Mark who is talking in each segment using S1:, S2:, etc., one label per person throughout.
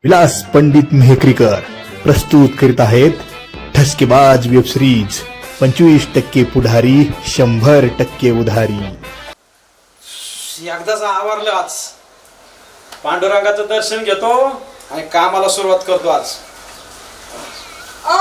S1: विलास पंडित मेहकरीकर प्रस्तुत करीत आहेत ठसकेबाज वेब सिरीज 25% पुढारी 100% उधारी.
S2: एकदाच आवरलं आज. पांडुरंगाचं दर्शन घेतो आणि कामाला सुरुवात करतो आज.
S3: ओ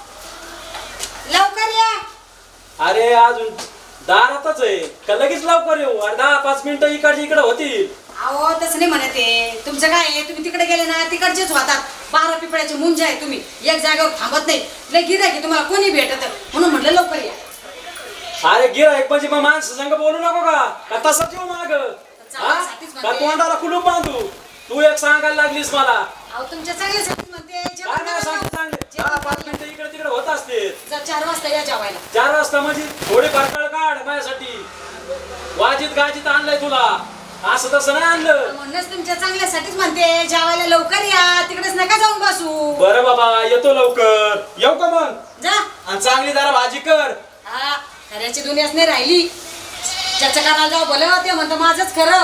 S3: लवकर या.
S2: अरे अजून दारातच आहे का? लगेच लवकर येऊ. 10-5 मिनिटं इकडची इकडे होतील.
S3: अहो तसं नाही म्हणत आहे. तुमचं काय आहे, तुम्ही तिकडे गेले ना तिकडचेच होतात. 12 पिपळ्याचे मुंज आहे. तुम्ही एक जागेवर थांबत नाही. लय गिऱ्हाईक तुम्हाला कोणी भेटत म्हणून म्हटलं लवकर या.
S2: अरे गिऱ्हाईक म्हणजे मग माणसं संग बोलू नको का तसंच येऊ माग
S3: चांगल्यासाठीच
S2: का?
S3: म्हणते.
S2: तोंडाला कुलूप बांधू. तू एक सांगायला लागलीस मला.
S3: अहो तुमच्या चांगल्यासाठी म्हणते. जेवण
S2: काय नाही सांगते
S3: करा.
S2: चांगले.
S3: जेवण
S2: 10-5 मिनिटं इकडे तिकडे होत असते.
S3: जा 4 वाजता या जेवायला.
S2: 4 वाजता म्हणजे थोडी करकळ काढ माझ्यासाठी. वाजीत गाजीत आणलंय तुला. असं तसं नाही आणलं.
S3: म्हणूनच तुमच्या चांगल्यासाठीच म्हणते जेवायला लवकर या. तिकडेच नका जाऊन बसू.
S2: बरं बाबा येतो लवकर. येऊ का मग?
S3: जा.
S2: आणि चांगली जरा भाजी कर.
S3: हा खऱ्याची दुनियाच नाही राहिली. ज्याचं करायला जाऊ भलं ते म्हणतं माझंच खरं.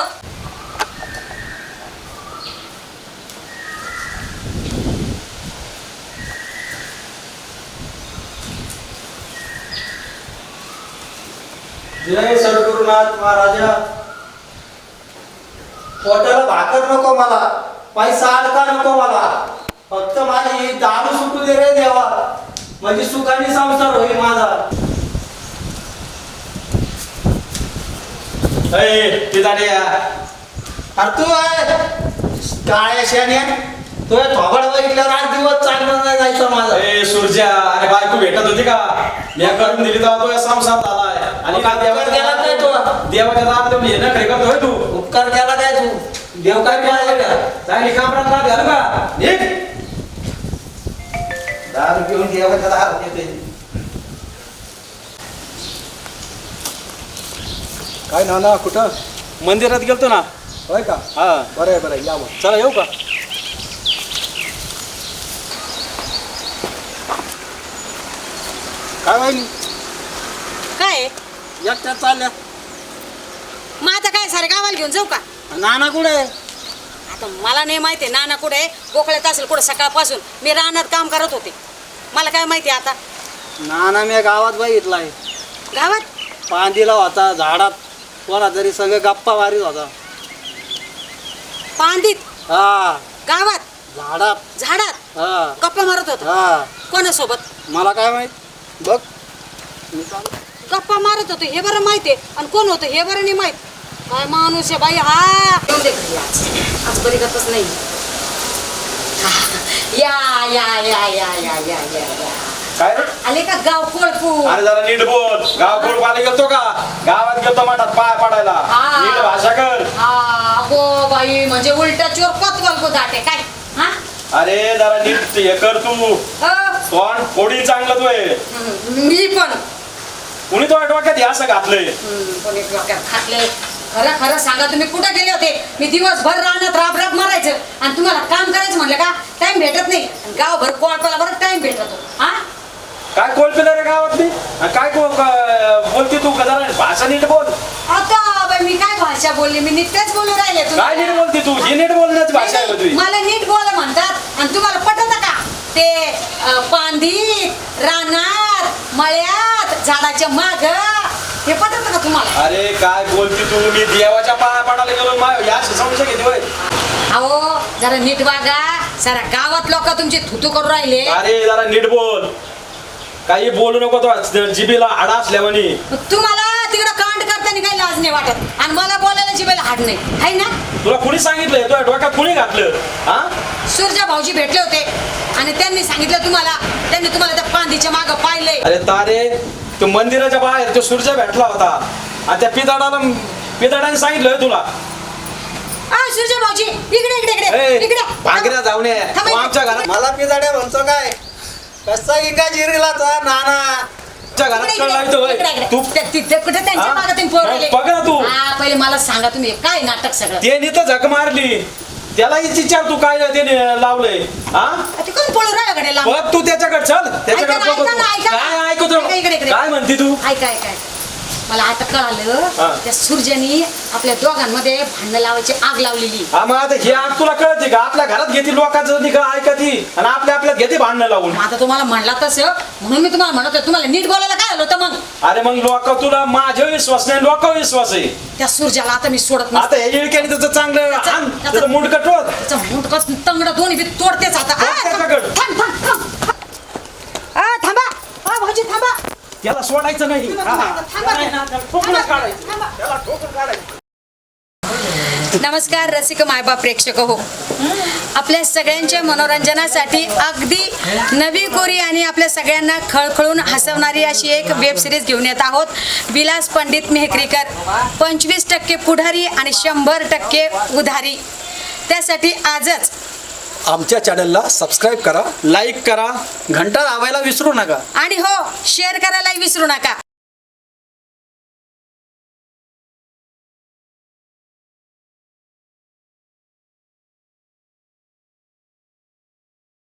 S4: जय सद्गुरुनाथ महाराजा. पोटाला भाकर नको मला, पैसा अडका नको मला, फक्त माझी दारू सुटू दे रे देवा, म्हणजे सुखाने संसार होईल माझा. अरे तू आहे काळ्या शेण्या, तो थोबड बघितल्यावर 8 दिवस चांगलं नाही जायचं माझं.
S2: ए सूर्या, अरे बायको भेटत होती का? मी करून दिली तेव्हा तो संसार झालाय. आणि का
S4: उपकार केला काय तू?
S2: देवाच्या दारात हे न खरे करतोय तू.
S4: उपकार केला काय तू? देव काय केला का?
S2: चांगली कामरात राहत घालू का? निघ.
S4: दारू घेऊन देवाच्या दारात येते.
S5: काय नाना कुठं?
S2: मंदिरात गेलतो ना.
S5: होय का?
S2: हा
S5: बरं आहे बरं आहे, या मग.
S2: चला येऊ का?
S5: काय वाहिनी
S3: काय
S5: एकट्यात चालल्या?
S3: मग आता काय सारे गावाला घेऊन जाऊ का?
S5: नाना कुठे?
S3: आता मला नाही माहिती नाना कुठे आहे. गोखळ्यात असेल कुठे सकाळपासून. मी रानात काम करत होते. मला काय माहिती आता.
S5: नाना मी गावात बघितलाय.
S3: गावात
S5: पांदीला होता झाडात, कोणा तरी संग गप्पा मारीत होता.
S3: पांदीत
S5: हा
S3: गावात
S5: झाडात.
S3: झाडात
S5: हा
S3: गप्पा मारत होता.
S5: हा
S3: कोणासोबत?
S5: मला काय माहित. बघ मी चाललो.
S3: गप्पा मारत होते हे बरं माहितीये. आणि कोण होतं हे बरं नाही माहित. काय माणूस आहे बाई हा. येऊ दे घरी आज बरी गतच नाही. या या या या या या या या
S2: काय?
S3: आले का गाव कोळपू?
S2: अरे जरा नीट बोल. गाव कोण पाणी गेलतो का? गावात गेलतो मठात पाय पडायला.
S3: हा.
S2: नीट भाषा कर.
S3: गो बाई म्हणजे उलटा चोर पतवल को दाटे काय हा?
S2: अरे जरा नीट हे कर तू.
S3: अ,
S2: तोंड फोडीन चांगलं तू आहे.
S3: मी पण
S2: कुणी तो डोक्यात हे असं घातलंय?
S3: कोणी डोक्यात खातले. खरं खरं सांगा तुम्ही कुठे गेले होते? मी दिवसभर रानात राब राब मारायचं आणि तुम्हाला काम करायचं म्हणलं का टाइम भेटत नाही. आणि गावभर कोळपाला बरं टाइम भेटतो हा.
S2: काय कोलपिलं रे गावातली? आणि काय बोलती तू? जरा भाषा नीट बोल.
S3: आता बाई मी काय भाषा बोलली? मी नीटच बोलू राहिले
S2: काय नीट बोलती तू? ही नीट बोलण्याची भाषा आहे का तुझी?
S3: मला नीट बोल म्हणतात आणि तुम्हाला पटत का? ते पांदीत रानात मळ्यात झाडाच्या माग हे पटत का तुम्हाला?
S2: अरे काय बोलती तू? मी देवाच्या पाया पडायला गेलो. या संशय घेते होय.
S3: अहो जरा नीट वागा. सारा गावात लोक तुमची थुतू करून राहिले.
S2: अरे जरा नीट बोल. काही बोलू नको तो जिबीला हाडा असल्यावानी.
S3: तुम्हाला तिकडं कांड करताना काही लाज नाही वाटत आणि मला बोलायला जिभेला हाड नाही आहे ना?
S2: तुला कुणी सांगितलंय? तुला डोक्यात कुणी घातलं? हा?
S3: सूर्जा भाऊजी भेटले होते आणि त्यांनी सांगितलं तुम्हाला. त्यांनी तुम्हाला त्या पांदीच्या मागं पाहिलंय.
S2: अरे तारे, तो मंदिराच्या बाहेर तो सूर्य भेटला होता आणि त्या पिदाडाने सांगितलं तुला.
S3: सूर्जा भाऊजी इकडे इकडे इकडे इकडे
S2: भांगऱ्या जाऊन ये.
S3: थांबा,
S2: तू आमच्या घरात
S4: मला पिजाड्या म्हणतो काय? कसा इंगा जिरीला तो नाना.
S2: आमच्या घरात कळ लावतो होय. तू
S3: तिथे कुठे त्यांच्या
S2: हा?
S3: मागं तुम्ही पोरले?
S2: बघ ना तू.
S3: हा पहिले मला सांगा तुम्ही काय नाटक सगळं?
S2: ते नीत झक मारली. त्याला विचार तू काय ते लावलंय. हा
S3: ते कोण पळू राहिला गड्याला?
S2: बघ तू त्याच्याकडे चल. त्याच्याकडे
S3: ऐका ना,
S2: बघ तू.
S3: ऐका ना, ऐका.
S2: काय ऐकतो?
S3: ऐका इकडे, इकडे.
S2: काय म्हणते तू?
S3: ऐका ऐका ऐका. मला आता कळालं
S2: हा.
S3: त्या सूर्यानी आपल्या दोघांमध्ये भांडण लावायची आग लावलेली.
S2: हा मग आता हे आग तुला कळते का? आपल्या घरात घेते लोकांचं निघा ऐकती आणि आपल्यात घेते भांडणं लावून.
S3: मग आता तुम्हाला म्हणला तसं म्हणून मी तुम्हाला म्हणत होते, तुम्हाला नीट बोलायला काय आलं होतं मग?
S2: अरे मग लोक तुला माझ्या विश्वास नाही, लोक विश्वास आहे.
S3: त्या सूर्याला आता मी सोडत नाही.
S2: आता हे इळक्याने त्याचं चांगलं आण, त्याचं मुंड कटवत.
S3: त्याचा मुंडकच तंगड दोन्ही बी तोडतेच आता.
S2: तोड त्याच्याकडं.
S3: थांब, थांब, थांब. थांबा. भाऊजी थांबा.
S2: त्याला सोडायचं नाही. हा, हा.
S3: थांबा.
S2: त्याला ठोकूनच काढायचं.
S3: थांबा.
S2: त्याला ठोकून काढायचं.
S3: नमस्कार रसिक मायबाप प्रेक्षक हो, आपल्या सगळ्यांच्या मनोरंजनासाठी अगदी नवी कोरी आणि आपल्या सगळ्यांना खळखळून हसवणारी अशी एक वेब सिरीज घेऊन येत आहोत. विलास पंडित मेहकरीकर, 25% पुढारी आणि 100% उधारी. त्यासाठी आजच
S5: आमच्या चॅनलला सबस्क्राईब करा, लाईक करा, घंटा दाबायला विसरू नका.
S3: आणि हो शेअर करायला विसरू नका.